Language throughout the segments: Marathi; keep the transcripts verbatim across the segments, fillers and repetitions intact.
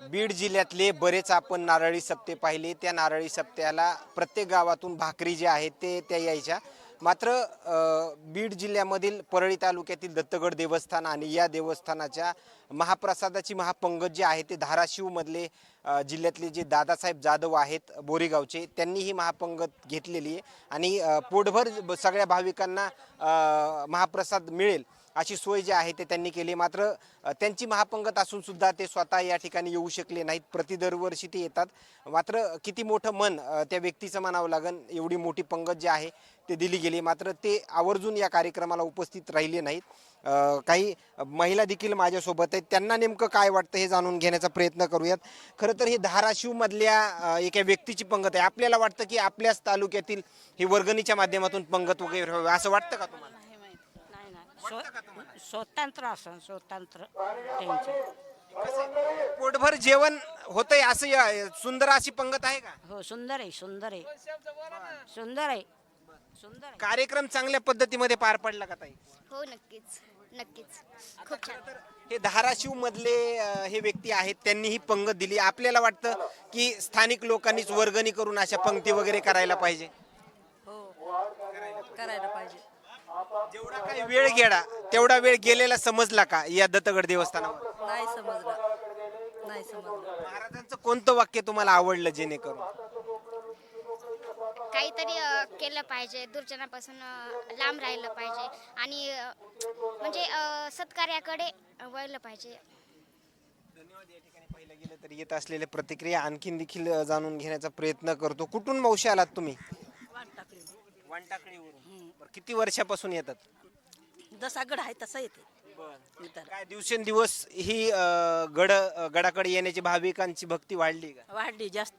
बीड जिल्ह्यातले बरेच आपण नारळी सप्ते पाहिले. त्या नारळी सप्त्याला प्रत्येक गावातून भाकरी जे आहेत ते त्या यायच्या. मात्र अ, बीड जिल्ह्यामधील परळी तालुक्यातील दत्तगड देवस्थान आणि या देवस्थानाच्या महाप्रसादाची महापंगत जे आहे ते धाराशिवमधले अ, जिल्ह्यातले जे दादासाहेब जाधव आहेत बोरीगावचे, त्यांनी ही महापंगत घेतलेली आहे आणि अ, पोटभर सगळ्या भाविकांना अ, महाप्रसाद मिळेल अशी सोय जी आहे ते त्यांनी केली. मात्र अ, त्यांची महापंगत असून सुद्धा ते स्वतः या ठिकाणी येऊ शकले नाहीत. प्रति दरवर्षी ते येतात. मात्र किती मोठं मन अ, त्या व्यक्तीचं म्हणावं लागेल, एवढी मोठी पंगत जी आहे ते दिली गेली. मात्र ते आवर्जून या कार्यक्रमाला उपस्थित राहिले नाहीत. अ, काही महिला देखील माझ्यासोबत आहेत. त्यांना नेमकं काय वाटतं हे जाणून घेण्याचा प्रयत्न करूयात. खरं तर ही धाराशिवमधल्या अ, एका व्यक्तीची पंगत आहे. आपल्याला वाटतं की आपल्याच तालुक्यातील ही वर्गणीच्या माध्यमातून पंगत वगैरे व्हावी असं वाटतं का तुम्हाला? नाही माहित. नाही नाही स्व- स्वतंत्र असं स्वतंत्र त्यांचं. पोटभर जेवण होतंय असं या- सुंदर अशी पंगत आहे का? हो सुंदर आहे सुंदर आहे सुंदर आहे सुंदर आहे. कार्यक्रम चांगल्या पद्धतीमध्ये पार पडला का ताई? हो नक्कीच नक्कीच खूप छान. हे धाराशिव मधले अ, हे व्यक्ती आहेत, त्यांनी ही पंगत दिली. आपल्याला वाटतं की स्थानिक लोकांनीच वर्गणी करून अशा पंक्ती वगैरे करायला पाहिजे. हो करायला पाहिजे. जेवढा काही वेळ गेला तेवढा वेळ गेलेला समजला का या दत्तगड देवस्थानावर? नाही समजलं नाही समजलं. महाराजांचं कोणतं वाक्य तुम्हाला आवडलं जेणेकरून? काहीतरी अ, केलं पाहिजे, दुर्जनापासून अ, लांब राहिलं पाहिजे आणि अ, म्हणजे अ, सत्कार्याकडे वळलं पाहिजे. धन्यवाद. या ठिकाणी पाहिलं गेलं तर येत असलेल्या प्रतिक्रिया आणखीन देखील अ, जाणून घेण्याचा प्रयत्न करतो. कुठून मावशी आलात तुम्ही? वानटाकळीवरून. बरं, किती वर्षापासून येतात? जसा गड आहे तसा येते. काय दिवसेंदिवस ही अ, गड अ, गडाकडे येण्याची भाविकांची भक्ती वाढली का? वाढली जास्त.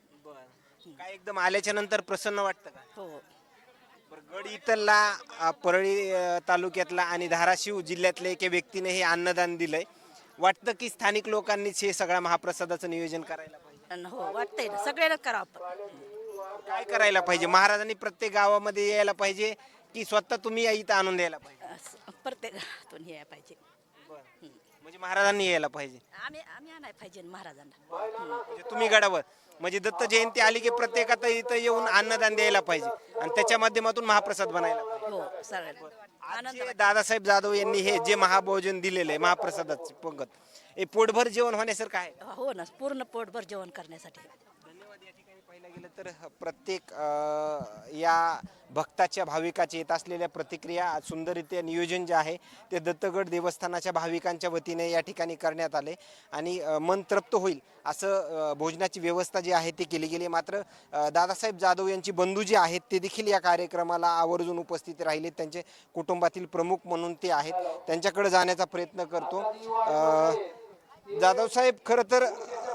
काय एकदम आल्याच्या नंतर प्रसन्न वाटतं का? हो बरं, गड इथला अ, परळी अ, तालुक्यातला आणि धाराशिव जिल्ह्यातल्या एका व्यक्तीने हे अन्नदान दिलंय. वाटतं की स्थानिक लोकांनीच हे सगळ्या महाप्रसादाचं नियोजन करायला पाहिजे. आणि हो वाटतंय ना सगळ्यांना करावं आपण. काय करायला पाहिजे? महाराजांनी प्रत्येक गावामध्ये यायला पाहिजे की स्वतः तुम्ही या इथं आणून द्यायला पाहिजे? असं प्रत्येकातून हे पाहिजे. म्हणजे महाराजांनी यायला पाहिजे. आम्ही आम्ही आणाय पाहिजे महाराजांना. म्हणजे तुम्ही गडावर म्हणजे दत्त जयंती आली की प्रत्येकात इथं येऊन अन्नदान द्यायला पाहिजे आणि त्याच्या माध्यमातून महाप्रसाद बनायला पाहिजे. हो सगळ्यांना आज आनंद जे दादासाहेब जाधव यांनी हे जे महाभोजन दिलेलं आहे महाप्रसादाची पंगत, हे पोटभर जेवण होण्यासारखं आहे. हो ना पूर्ण पोटभर जेवण करण्यासाठी. धन्यवाद. या ठिकाणी पाहिलं गेलं तर प्रत्येक अ, या भक्ताच्या भाविकाचे येत असलेल्या प्रतिक्रिया आज सुंदररित्या नियोजन जे आहे ते दत्तगड देवस्थानाच्या भाविकांच्या वतीने या ठिकाणी करण्यात आले आणि अ, मन तृप्त होईल असं अ, भोजनाची व्यवस्था जी आहे ती केली गेली. मात्र अ, दादासाहेब जाधव यांची बंधू जे आहेत ते देखील या कार्यक्रमाला आवर्जून उपस्थित राहिले. त्यांचे कुटुंबातील प्रमुख म्हणून ते आहेत. त्यांच्याकडे जाण्याचा प्रयत्न करतो. अ, जाधव साहेब, खरं तर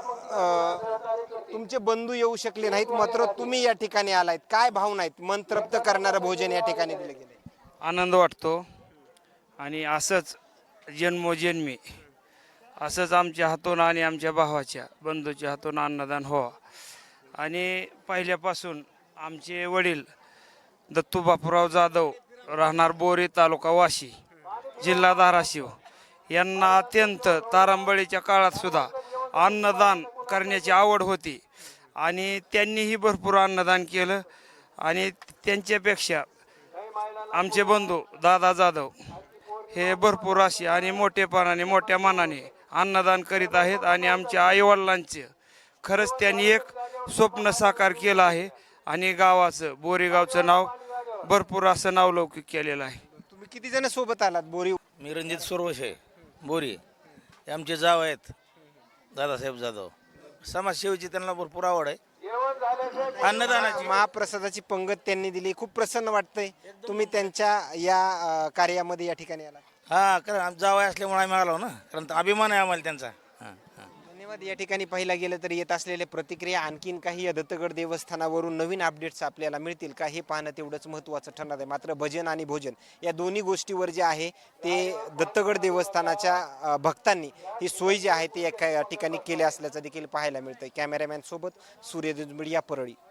अ, तुमचे बंधू येऊ शकले नाहीत, मात्र तुम्ही या ठिकाणी आलायत. काय भावना आहेत? मन तृप्त करणारं भोजन या ठिकाणी दिलं गेलं. आनंद वाटतो आणि असंच जन्मोजन्मी असंच आमच्या हातून आणि आमच्या भावाच्या बंधूच्या हातून अन्नदान व्हावं. आणि पहिल्यापासून आमचे वडील दत्तू बापूराव जाधव राहणार बोरी तालुका वाशी जिल्हा धाराशिव यांना अत्यंत तारांबळीच्या काळात सुद्धा अन्नदान करण्याची आवड होती आणि त्यांनीही भरपूर अन्नदान केलं. आणि त्यांच्यापेक्षा आमचे बंधू दादा जाधव हे भरपूर असे आणि मोठेपणाने मोठ्या मनाने अन्नदान करीत आहेत आणि आमच्या आईवडिलांचे खरंच त्यांनी एक स्वप्न साकार केलं आहे आणि गावाचं बोरीगावचं नाव भरपूर असं नावलौकिक केलेलं आहे. तुम्ही किती जण सोबत आलात बोरी? मी रणजित सोरवशे बोरी. हे आमचे जाव आहेत दादासाहेब जाधव. समाजसेवेची त्यांना भरपूर आवड आहे. अन्नदानाची महाप्रसादाची पंगत त्यांनी दिली. खूप प्रसन्न वाटतंय तुम्ही त्यांच्या या अ, कार्यामध्ये या ठिकाणी आला. हा कारण आम जाव असल्यामुळे आम्ही आलो ना, कारण अभिमान आहे आम्हाला त्यांचा. हां हां धन्यवाद. या ठिकाणी पाहिलं गेलं तर येत असलेल्या प्रतिक्रिया आणखीन काही या दत्तगड देवस्थानावरून नवीन अपडेट्स आपल्याला मिळतील का हे पाहणं तेवढंच महत्त्वाचं ठरणार आहे. मात्र भजन आणि भोजन या दोन्ही गोष्टीवर जे आहे ते दत्तगड देवस्थानाच्या अ, भक्तांनी ही सोय जी आहे ती एका ठिकाणी केली असल्याचं देखील पाहायला मिळतंय. कॅमेरामॅन सोबत सूर्य दुजमिडिया परळी.